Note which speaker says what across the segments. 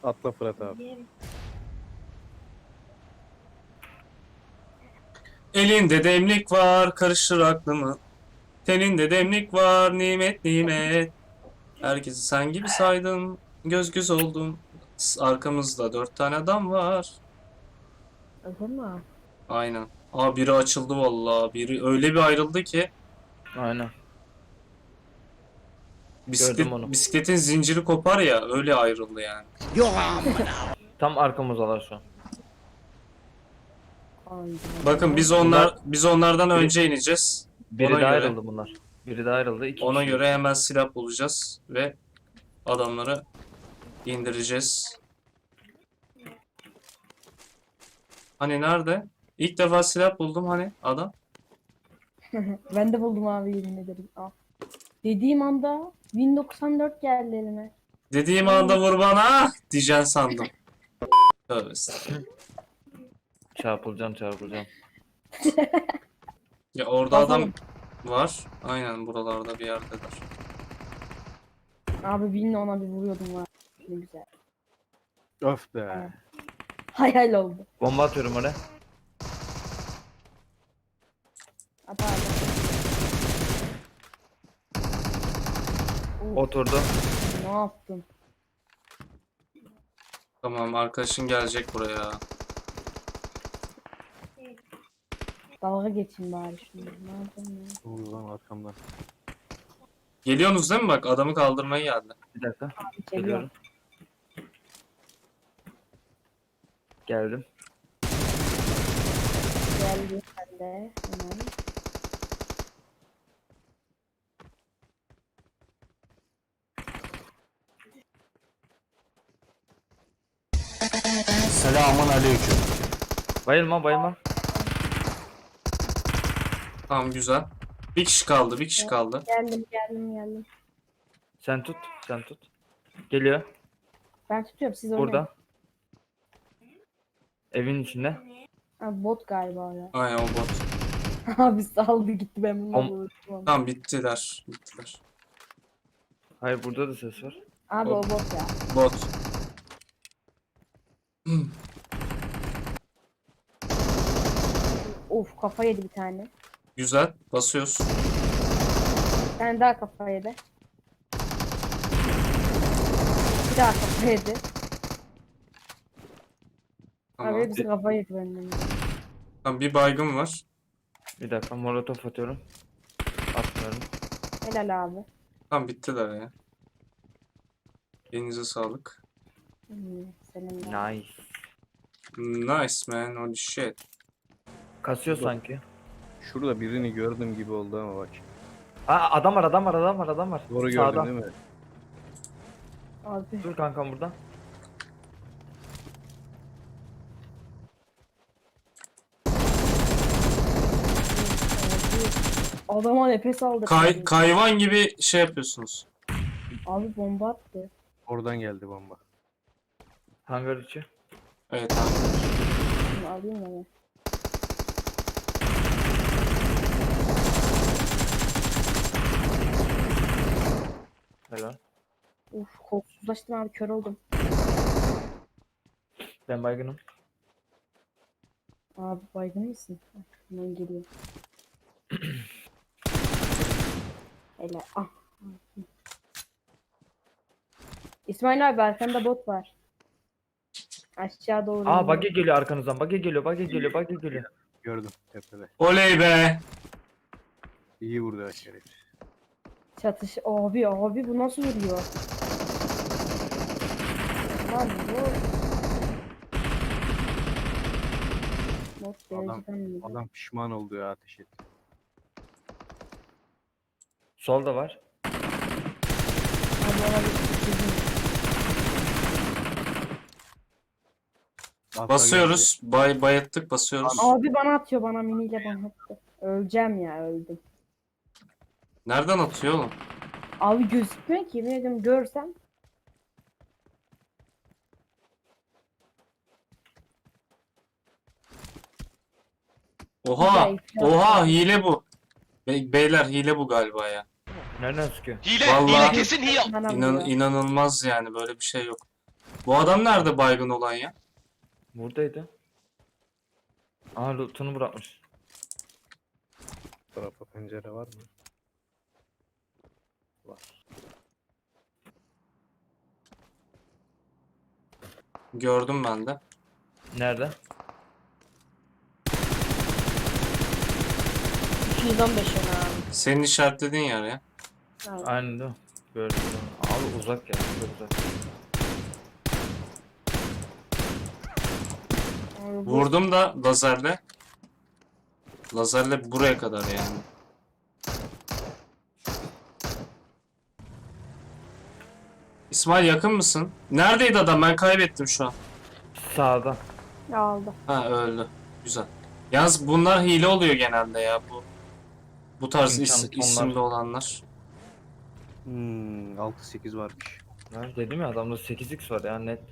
Speaker 1: Atla Fırat abi.
Speaker 2: Elinde demlik var, karıştır aklımı. Teninde demlik var, nimet nimet. Herkesi sen gibi saydım, göz göz oldum. Arkamızda 4 tane adam var.
Speaker 3: Öyle mi?
Speaker 2: Aynen. Aa biri açıldı vallahi. Biri öyle bir ayrıldı ki
Speaker 4: Aynen. Gördüm onu.
Speaker 2: bisikletin zinciri kopar ya öyle ayrıldı yani.
Speaker 4: Tam arkamızdalar şu an.
Speaker 3: Aynen.
Speaker 2: Bakın biz onlardan önce ineceğiz.
Speaker 4: Biri
Speaker 2: Ona
Speaker 4: daha
Speaker 2: göre
Speaker 4: ayrıldı bunlar. Biri daha ayrıldı. İki
Speaker 2: ona
Speaker 4: kişi.
Speaker 2: göre hemen silah bulacağız ve adamları indireceğiz. Hani nerede? İlk defa silah buldum hani adam.
Speaker 3: Ben de buldum abi, yemin ederim. Al. Dediğim anda Win 94 geldi elime.
Speaker 2: Dediğim anda vur bana diyeceksin sandım. Tövbe estağfurullah.
Speaker 4: Çarpılacağım.
Speaker 2: Ya orada adam
Speaker 3: Bakalım.
Speaker 2: var. Aynen buralarda bir yerdedir.
Speaker 3: Abi Win'le ona bir vuruyordum var. Ne güzel.
Speaker 1: Öf be.
Speaker 3: Hayal oldu.
Speaker 4: Bomba atıyorum oraya.
Speaker 3: At abi.
Speaker 4: Oturdu.
Speaker 3: Ne yaptın?
Speaker 2: Tamam arkadaşın gelecek buraya.
Speaker 3: Dalga geçin bari şimdi. Ne yapayım ya?
Speaker 1: Ne oluyor lan arkamdan?
Speaker 2: Geliyorsunuz değil mi bak adamı kaldırmaya geldi.
Speaker 4: Bir dakika.
Speaker 3: Geliyor.
Speaker 4: Geliyorum. Geldim.
Speaker 3: Geldi sen de. Hemen.
Speaker 5: Selamun aleyküm.
Speaker 4: Bayılma.
Speaker 2: Tamam güzel. Bir kişi kaldı.
Speaker 3: Geldim.
Speaker 4: Sen tut. Geliyor.
Speaker 3: Ben tutuyorum, siz oynayın.
Speaker 4: Burada. Evin içinde.
Speaker 3: Abi bot galiba ya.
Speaker 2: Aynen o bot.
Speaker 3: Abi saldı gitti, ben bununla
Speaker 4: Om-
Speaker 3: vurdum.
Speaker 2: Tamam bittiler.
Speaker 4: Hayır, burada da ses var.
Speaker 3: Abi o bot ya.
Speaker 2: Bot.
Speaker 3: Of, kafa yedi bir tane.
Speaker 2: Güzel. Basıyoruz.
Speaker 3: Bir tane daha kafa yedi. Bir daha kafa yedi.
Speaker 2: Tamam.
Speaker 3: Abi hepsi kafa yedi benden.
Speaker 2: Tamam bir baygın var.
Speaker 4: Bir dakika, molotof atıyorum. Atmıyorum.
Speaker 3: Helal abi.
Speaker 2: Tamam bittiler ya. Elinize sağlık.
Speaker 3: Senin de.
Speaker 4: Nice.
Speaker 2: Nice man. Holy shit.
Speaker 4: Kasıyor sanki.
Speaker 1: Şurada birini gördüm gibi oldu ama bak.
Speaker 4: Aa, adam var.
Speaker 1: Doğru gördün
Speaker 4: Sağda.
Speaker 1: değil mi?
Speaker 3: Abi.
Speaker 4: Dur kankam burada.
Speaker 3: Adama nefes aldı.
Speaker 2: Kayvan gibi şey yapıyorsunuz.
Speaker 3: Abi bomba attı.
Speaker 1: Oradan geldi bomba.
Speaker 4: Hangar içi.
Speaker 2: Evet abi.
Speaker 3: Şunu alayım ya.
Speaker 4: Helal.
Speaker 3: Uf, korkusuzlaştım abi, kör oldum.
Speaker 4: Ben baygınım.
Speaker 3: Abi baygın mısın? Hemen geliyor. Hele ah. İsmail abi, arkanda bot var. Aşağı doğru.
Speaker 4: Aa,
Speaker 3: iniyor.
Speaker 4: buggy geliyor arkanızdan. Buggy geliyor.
Speaker 1: Gördüm tepede.
Speaker 2: Oley be.
Speaker 1: İyi vurdu aşağıya.
Speaker 3: Çatış. Abi bu nasıl vuruyor? Lan bu. Bot dereceden mi?
Speaker 1: Adam pişman oldu ya, ateş etti.
Speaker 4: Solda var.
Speaker 3: Abi ona bir
Speaker 1: Atla
Speaker 2: Basıyoruz. Bayattık basıyoruz.
Speaker 3: Abi bana atıyor, bana miniyle bana attı. Öleceğim ya, öldüm.
Speaker 2: Nereden atıyor oğlum?
Speaker 3: Abi gözükmüyor ki, yemin ediyorum, görsem.
Speaker 2: Oha.
Speaker 3: Güzel.
Speaker 2: Oha hile bu. Beyler hile bu galiba ya.
Speaker 4: Nereden sıkıyor?
Speaker 5: Hile,
Speaker 2: Vallahi-
Speaker 5: hile kesin hile.
Speaker 3: Bana vuruyor.
Speaker 2: İnanılmaz yani böyle bir şey yok. Bu adam nerede baygın olan ya?
Speaker 4: Buradaydı. Aa lootunu bırakmış.
Speaker 1: Bu tarafa pencere var mı? Var.
Speaker 2: Gördüm ben de.
Speaker 4: Nerede?
Speaker 3: 215 yana abi.
Speaker 2: Senin işaretlediğin yer ya.
Speaker 3: Aynen.
Speaker 4: Aynen değil mi? Gördüm. Abi uzak ya. Çok uzak.
Speaker 3: Abi bu-
Speaker 2: Vurdum da lazerle. Lazerle buraya kadar yani. İsmail yakın mısın? Neredeydi adam? Ben kaybettim şu an.
Speaker 4: Sağda.
Speaker 3: Aldı.
Speaker 2: Ha öldü. Güzel. Yalnız bunlar hile oluyor genelde ya bu tarz
Speaker 4: İmkan
Speaker 2: isimli olanlar.
Speaker 1: 6-8 varmış.
Speaker 4: Ben dedim ya adamda 8x var ya net.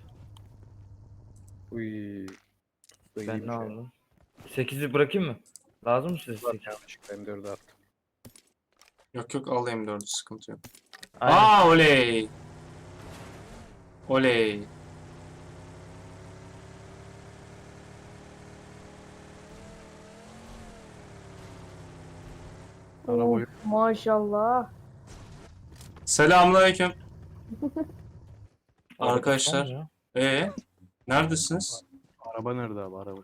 Speaker 1: Uy. Bu
Speaker 4: Ben
Speaker 1: iyiymiş
Speaker 4: ne
Speaker 1: ya.
Speaker 4: aldım? 8'i bırakayım mı? Lazım mı size
Speaker 1: Var
Speaker 4: 8?
Speaker 1: yanlışlıkla M4'ü attım.
Speaker 2: Yok yok alayım 4'ü sıkıntı yok.
Speaker 4: Aynen.
Speaker 2: Aa oley. Oley.
Speaker 1: Araba
Speaker 3: Oh,
Speaker 1: yok.
Speaker 3: maşallah.
Speaker 2: Selamünaleyküm.
Speaker 4: Araba
Speaker 2: Arkadaşlar.
Speaker 4: var ya.
Speaker 2: Neredesiniz?
Speaker 1: Araba nerede abi? Araba.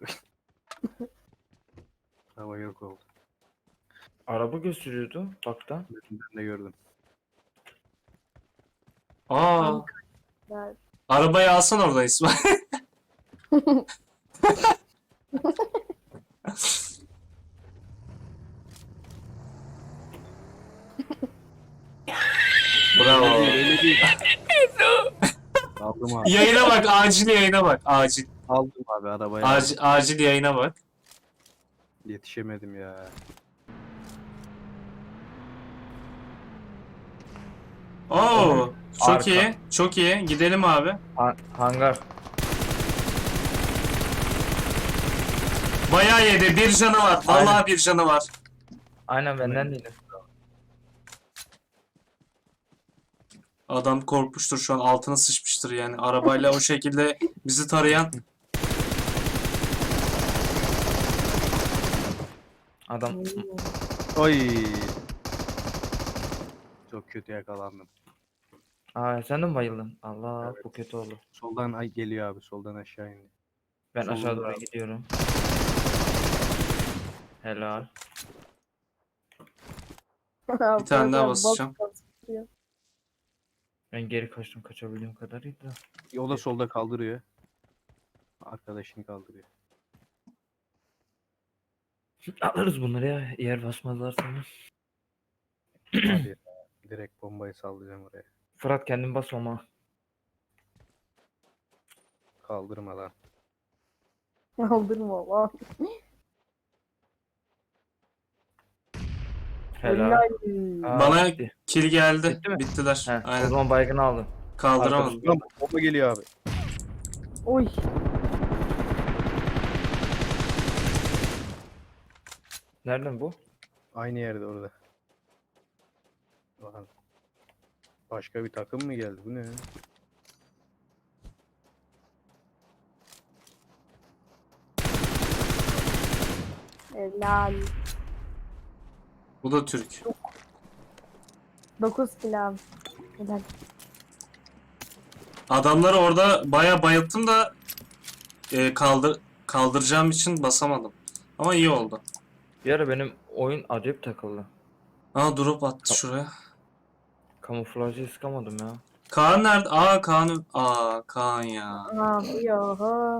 Speaker 1: Araba yok oldu.
Speaker 4: Araba gösteriyordu bakta.
Speaker 1: Ben de gördüm.
Speaker 2: Aa,
Speaker 3: Evet.
Speaker 2: arabayı alsan oradan İsmail. Bravo.
Speaker 1: Öyle değil. Aldım abi.
Speaker 2: Yayına bak, acil yayına bak. Acil.
Speaker 1: Aldım abi arabayı.
Speaker 2: Acil yayına bak.
Speaker 1: Yetişemedim ya.
Speaker 2: Oo, çok
Speaker 4: Arka.
Speaker 2: iyi. Çok iyi. Gidelim abi.
Speaker 4: Hangar.
Speaker 2: Bayağı yedi. Bir canı var. Vallahi
Speaker 4: Aynen.
Speaker 2: bir canı var.
Speaker 4: Aynen benden değil.
Speaker 2: Adam korkmuştur şu an. Altına sıçmıştır yani. Arabayla o şekilde bizi tarayan.
Speaker 4: Adam
Speaker 1: Oy. Çok kötü yakalandım.
Speaker 4: Aa sen de mi bayıldın? Allah bu kötü oldu.
Speaker 1: Soldan ay geliyor abi. Soldan aşağı indi.
Speaker 4: Ben
Speaker 1: Solunda
Speaker 4: aşağı doğru
Speaker 1: abi.
Speaker 4: gidiyorum. Helal.
Speaker 2: Bir tane daha basacağım.
Speaker 4: Ben geri kaçtım kaçabildiğim kadarıyla.
Speaker 1: O da solda kaldırıyor. Arkadaşını kaldırıyor.
Speaker 4: Alırız bunları ya yer basmazlar sana.
Speaker 1: Hadi ya. Direkt bombayı sallayacağım oraya.
Speaker 4: Fırat kendin basmama.
Speaker 1: Kaldırma lan.
Speaker 3: Aldırma lan.
Speaker 4: Helal. Aa,
Speaker 2: Bana
Speaker 4: bitti.
Speaker 2: kill geldi.
Speaker 4: Bitti mi?
Speaker 2: Bittiler.
Speaker 4: He, o
Speaker 2: Aynen.
Speaker 4: zaman baygın aldın.
Speaker 2: Kaldıramadım.
Speaker 1: Lan bomba geliyor abi.
Speaker 3: Oy.
Speaker 4: Nereden bu?
Speaker 1: Aynı yerde orada. Lan. Başka bir takım mı geldi? Bu ne?
Speaker 3: Helal.
Speaker 2: Bu da Türk.
Speaker 3: 9 kilo abi. Helal.
Speaker 2: Adamları orada bayağı bayılttım da kaldıracağım için basamadım. Ama iyi oldu.
Speaker 4: Bir ara benim oyun acayip takıldı.
Speaker 2: Aa drop attı şuraya.
Speaker 4: Kamuflajı sıkamadım ya.
Speaker 2: Kaan nerede? Aa Kaan. Aa Kaan ya.
Speaker 3: Abi ya.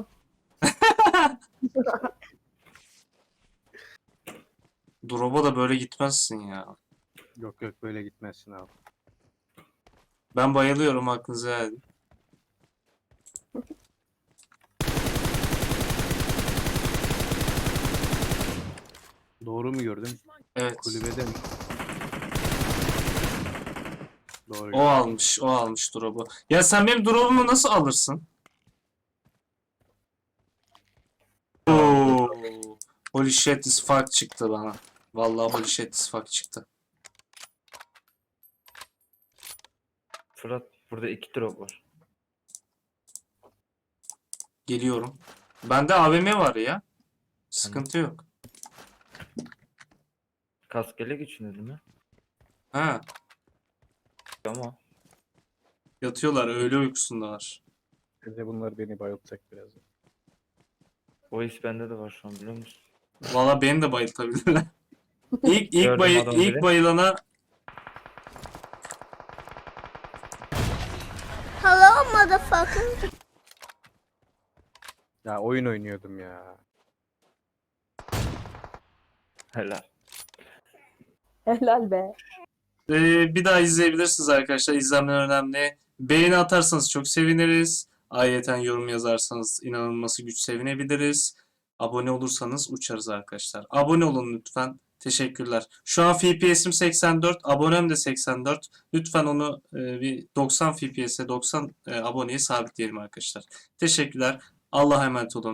Speaker 2: Drop'a da böyle gitmezsin ya.
Speaker 1: Yok yok böyle gitmezsin abi.
Speaker 2: Ben bayılıyorum aklınıza geldi.
Speaker 1: Doğru mu gördüm?
Speaker 2: Evet.
Speaker 1: Kulübede mi? Doğru.
Speaker 2: O almış drop'u. Ya sen benim drop'umu nasıl alırsın? Oo. Holy shit this fuck çıktı bana. Vallahi holy shit this fuck çıktı.
Speaker 4: Fırat burada 2 drop var.
Speaker 2: Geliyorum. Bende AVM var ya. Sıkıntı yok.
Speaker 4: Kaskele geçiniz mi?
Speaker 2: Ha,
Speaker 4: Ama
Speaker 2: yatıyorlar, öğle uykusundalar.
Speaker 1: Bir de bunlar beni bayıltacak biraz.
Speaker 4: o his bende de var şu an, biliyor musun?
Speaker 2: Valla beni de bayıltabilirler.
Speaker 4: Gördüm adamı
Speaker 2: İlk
Speaker 4: biri.
Speaker 2: bayılana
Speaker 5: Hello, motherfucker.
Speaker 1: Ya oyun oynuyordum ya.
Speaker 4: Helal.
Speaker 3: Helal be.
Speaker 2: bir daha izleyebilirsiniz arkadaşlar. İzlemeler önemli. Beğeni atarsanız çok seviniriz. Ayrıca yorum yazarsanız inanılması güç sevinebiliriz. Abone olursanız uçarız arkadaşlar. Abone olun lütfen. Teşekkürler. Şu an FPS'im 84, abonem de 84. Lütfen onu bir 90 FPS'e 90 aboneye sabitleyelim arkadaşlar. Teşekkürler. Allah'a emanet olun.